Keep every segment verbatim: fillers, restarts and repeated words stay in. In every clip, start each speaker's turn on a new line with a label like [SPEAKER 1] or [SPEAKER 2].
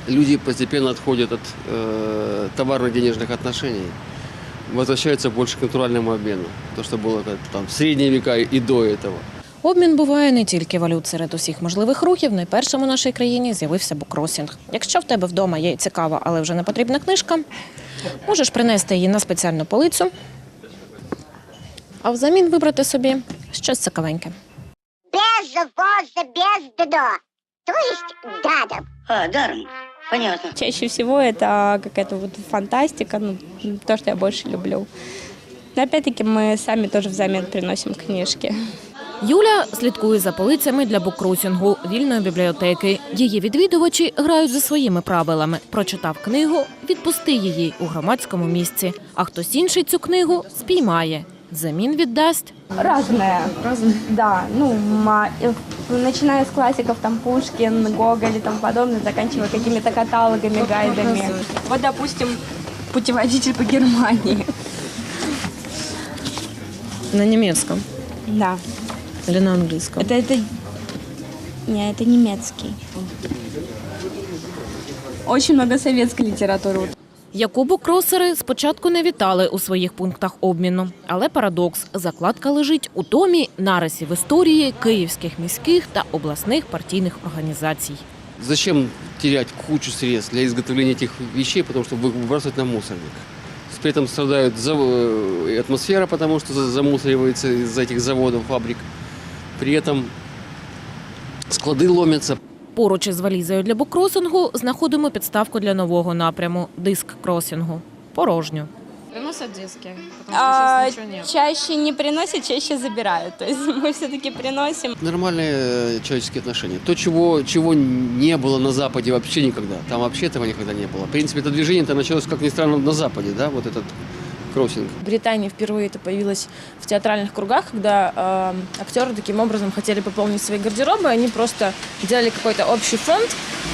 [SPEAKER 1] люди постепенно отходят от э, товарно-денежных отношений, возвращаются больше к натуральному обмену, то, что было там, в средние века и до этого.
[SPEAKER 2] Обмін буває не тільки валют. Серед усіх можливих рухів найпершим у нашій країні з'явився буккросінг. Якщо в тебе вдома є цікава, але вже не потрібна книжка, можеш принести її на спеціальну полицю, а взамін вибрати собі щось цікавеньке.
[SPEAKER 3] Без воза, без дна. То есть даром.
[SPEAKER 4] А, даром. Понятно.
[SPEAKER 5] Чаще всего это какая-то вот фантастика, ну, то, что я больше люблю. Но опять-таки мы сами тоже взамен приносим книжки.
[SPEAKER 2] Юля слідкує за полицями для буккросінгу вільної бібліотеки. Її відвідувачі грають за своїми правилами. Прочитав книгу – відпусти її у громадському місці. А хтось інший цю книгу спіймає. Взамін віддасть.
[SPEAKER 5] Разное. Разное? Да. Ну, ма- начиная с классиков, там, Пушкин, Гоголь и тому подобное, заканчивая какими-то каталогами, гайдами. Вот, допустим, путеводитель по Германии.
[SPEAKER 2] На німецькому?
[SPEAKER 5] Да.
[SPEAKER 2] Или на англійському?
[SPEAKER 5] Это, это... Не, это немецкий. Очень много советской литературы.
[SPEAKER 2] Яку буккросери спочатку не вітали у своїх пунктах обміну. Але парадокс – закладка лежить у томі нарисів історії київських міських та обласних партійних організацій.
[SPEAKER 1] Зачем терять кучу средств для изготовления этих вещей, потому что выбрасывать на мусорник? При этом страдает атмосфера, потому что замусоривается из-за этих заводов, фабрик. При этом склады ломятся.
[SPEAKER 2] Поруч із валізою для буккросингу знаходимо підставку для нового напряму – диск-кросінгу. Порожню.
[SPEAKER 6] Приносят диски, потому что
[SPEAKER 5] А,
[SPEAKER 6] сейчас ничего нет.
[SPEAKER 5] чаще не приносят, чаще забирают. То есть мы все-таки приносим.
[SPEAKER 1] Нормальные э, человеческие отношения. То, чего, чего не было на Западе вообще никогда. Там вообще этого никогда не было. В принципе, это движение-то началось, как ни странно, на Западе, да, вот этот кроссинг.
[SPEAKER 6] В Британии впервые это появилось в театральных кругах, когда э, актеры таким образом хотели пополнить свои гардеробы. Они просто делали какой-то общий фонд,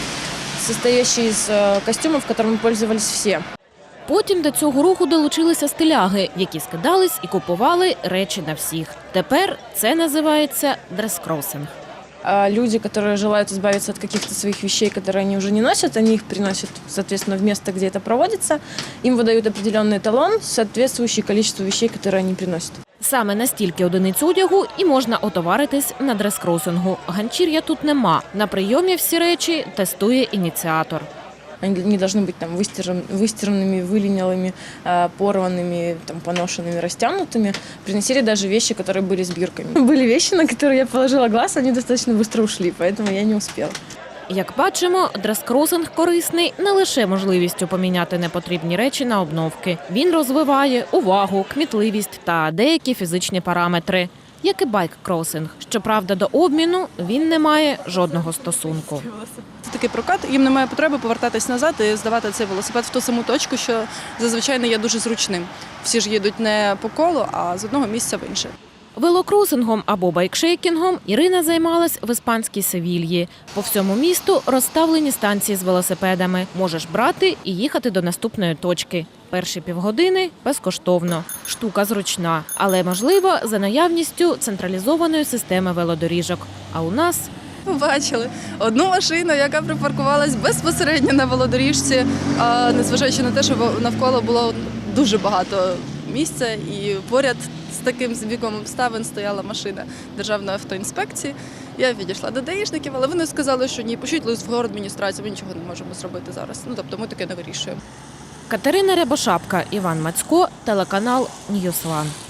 [SPEAKER 6] состоящий из э, костюмов, которыми пользовались все.
[SPEAKER 2] Потім до цього руху долучилися стиляги, які скидались і купували речі на всіх. Тепер це називається дрес-кросинг.
[SPEAKER 6] А люди, которые желают избавиться от каких-то своих вещей, которые они уже не носят, они их приносят, соответственно, в место, где это проводится. Им выдают определенный талон, соответствующий количеству вещей, которые они приносят.
[SPEAKER 2] Саме на стільки одиниць одягу і можна отоваритись на дрес-кросингу. Ганчір'я тут нема. На прийомі всі речі тестує ініціатор.
[SPEAKER 6] Они не должны быть там выстиран, выстиранными, вылинялыми, э, порванными, там, поношенными, растянутыми. Приносили даже вещи, которые были с бирками. Были вещи, на которые я положила глаз, они достаточно быстро ушли, поэтому я не успела.
[SPEAKER 2] Як бачимо, дрес-кросинг корисний не лише можливістю поміняти непотрібні речі на обновки. Він розвиває увагу, кмітливість та деякі фізичні параметри. Як і байк-кросинг. Щоправда, до обміну він не має жодного стосунку.
[SPEAKER 7] Це такий прокат, їм немає потреби повертатись назад і здавати цей велосипед в ту саму точку, що зазвичай не є дуже зручним. Всі ж їдуть не по колу, а з одного місця в інше.
[SPEAKER 2] Велокросингом або байкшейкінгом Ірина займалась в іспанській Севільї. По всьому місту розставлені станції з велосипедами. Можеш брати і їхати до наступної точки. Перші півгодини – безкоштовно. Штука зручна, але, можливо, за наявністю централізованої системи велодоріжок. А у нас…
[SPEAKER 7] Побачили одну машину, яка припаркувалась безпосередньо на велодоріжці, а незважаючи на те, що навколо було дуже багато місця і поряд з таким збігом обставин стояла машина Державної автоінспекції. Я відійшла до даїшників, але вони сказали, що ні, пошліть лист в городадміністрацію, ми нічого не можемо зробити зараз. Ну, тобто ми таке не вирішуємо.
[SPEAKER 2] Катерина Рябошапка, Іван Мацько, телеканал Ньюс Ван.